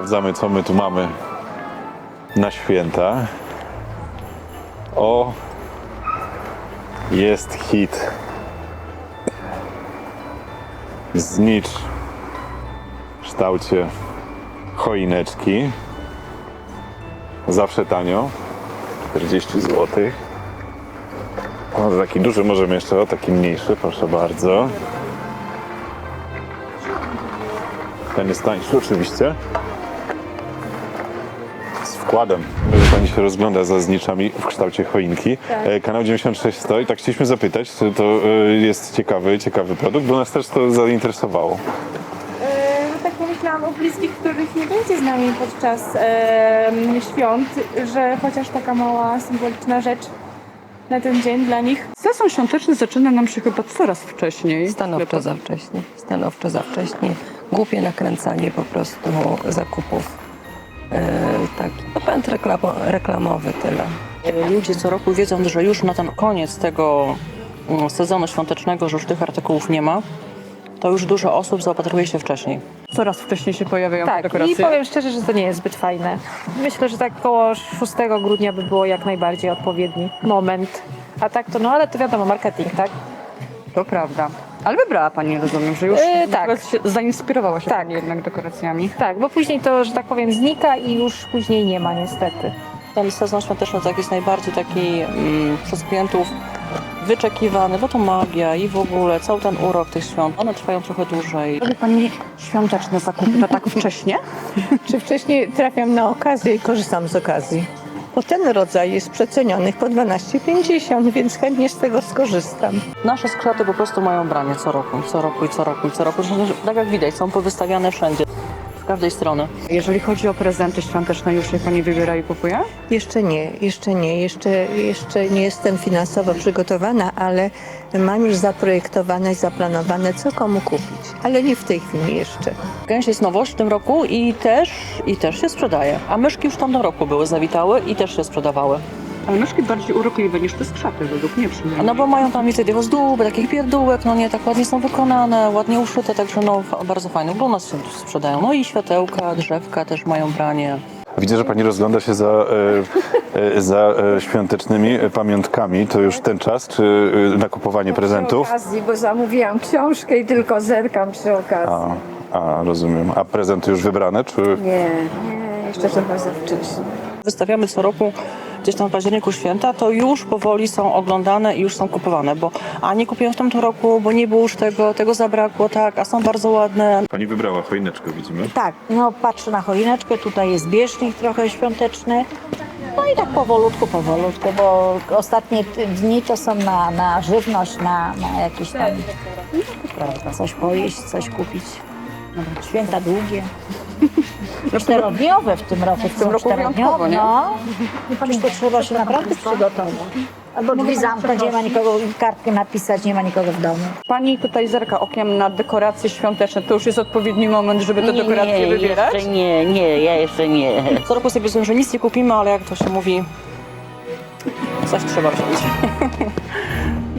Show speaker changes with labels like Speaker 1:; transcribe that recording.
Speaker 1: sprawdzamy, co my tu mamy na święta. O, jest hit. Znicz w kształcie choineczki. Zawsze tanio. 40 zł. O, taki duży możemy jeszcze, o taki mniejszy, proszę bardzo. Ten jest tańszy oczywiście. Z wkładem, że pani się rozgląda za zniczami w kształcie choinki.
Speaker 2: Tak.
Speaker 1: Kanał 96 stoi. Tak chcieliśmy zapytać, czy to jest ciekawy produkt, bo nas też to zainteresowało.
Speaker 2: Tak pomyślałam o bliskich, których nie będzie z nami podczas świąt, że chociaż taka mała, symboliczna rzecz na ten dzień dla nich.
Speaker 3: Sezon świąteczny zaczyna nam się chyba coraz wcześniej.
Speaker 4: Stanowczo za wcześnie. Stanowczo za wcześnie. Głupie nakręcanie po prostu zakupów. Taki pęd reklamowy, tyle.
Speaker 5: Ludzie co roku wiedzą, że już na ten koniec tego sezonu świątecznego, że już tych artykułów nie ma, to już dużo osób zaopatruje się wcześniej.
Speaker 3: Coraz wcześniej się pojawiają te
Speaker 2: Tak,
Speaker 3: dekoracje.
Speaker 2: i powiem szczerze, że to nie jest zbyt fajne. Myślę, że tak koło 6 grudnia by było jak najbardziej odpowiedni moment. A tak to, no ale to wiadomo, marketing, tak?
Speaker 3: To prawda. Ale wybrała Pani, rozumiem, że już
Speaker 2: tak.
Speaker 3: zainspirowała się
Speaker 2: Tak.
Speaker 3: Pani jednak dekoracjami.
Speaker 2: Tak, bo później to, że tak powiem, znika i już później nie ma niestety.
Speaker 5: Ten sezon świąteczny tak jest najbardziej taki przez klientów wyczekiwany, bo to magia i w ogóle cały ten urok tych świąt, one trwają trochę dłużej.
Speaker 3: Robi Pani świąteczne zakupy, to tak wcześnie?
Speaker 6: Czy wcześniej trafiam na okazję i korzystam z okazji? Bo ten rodzaj jest przeceniony po 12,50, więc chętnie z tego skorzystam.
Speaker 5: Nasze skrzety po prostu mają branie co roku. Tak jak widać, są powystawiane wszędzie, z każdej strony.
Speaker 3: Jeżeli chodzi o prezenty świąteczne, już je Pani wybiera i kupuje?
Speaker 6: Jeszcze nie jestem finansowo przygotowana, ale mam już zaprojektowane i zaplanowane, co komu kupić. Ale nie w tej chwili jeszcze.
Speaker 5: Gęś jest nowość w tym roku i też się sprzedaje. A myszki już w tamtym roku były, zawitały i też się sprzedawały.
Speaker 3: Ale myszki bardziej urokliwe niż te skrzaty, według mnie przynajmniej.
Speaker 5: No bo mają tam więcej tych ozdób, takich pierdółek, no nie, tak ładnie są wykonane, ładnie uszyte, także no bardzo fajne. Bo u nas się sprzedają. No i światełka, drzewka też mają branie.
Speaker 1: Widzę, że pani rozgląda się za świątecznymi pamiątkami. To już ten czas, czy na kupowanie prezentów?
Speaker 7: Przy okazji, bo zamówiłam książkę i tylko zerkam przy okazji.
Speaker 1: Rozumiem. A prezenty już wybrane, czy...
Speaker 7: Nie, jeszcze trochę za wcześnie.
Speaker 5: Wystawiamy co roku gdzieś tam w październiku święta, to już powoli są oglądane i już są kupowane, bo nie kupiłem w tamtym roku, bo nie było już tego zabrakło, tak, a są bardzo ładne.
Speaker 1: Pani wybrała choineczkę, widzimy.
Speaker 8: Tak, no patrzę na choineczkę, tutaj jest bieżnik trochę świąteczny. No i tak powolutku, bo ostatnie dni to są na żywność, na jakieś tam, prawda, coś pojeść, coś kupić. Święta długie. 4-dniowe w tym roku.
Speaker 3: W tym roku wyjątkowo, nie?
Speaker 8: No. Przecież to trzeba się naprawdę przygotować. Albo drzwi zamknąć, nie ma nikogo, kartkę napisać, nie ma nikogo w domu.
Speaker 3: Pani tutaj zerka okiem na dekoracje świąteczne. To już jest odpowiedni moment, żeby te dekoracje wybierać?
Speaker 4: Ja jeszcze nie.
Speaker 5: Co roku sobie myślę, że nic nie kupimy, ale jak to się mówi, coś trzeba wziąć.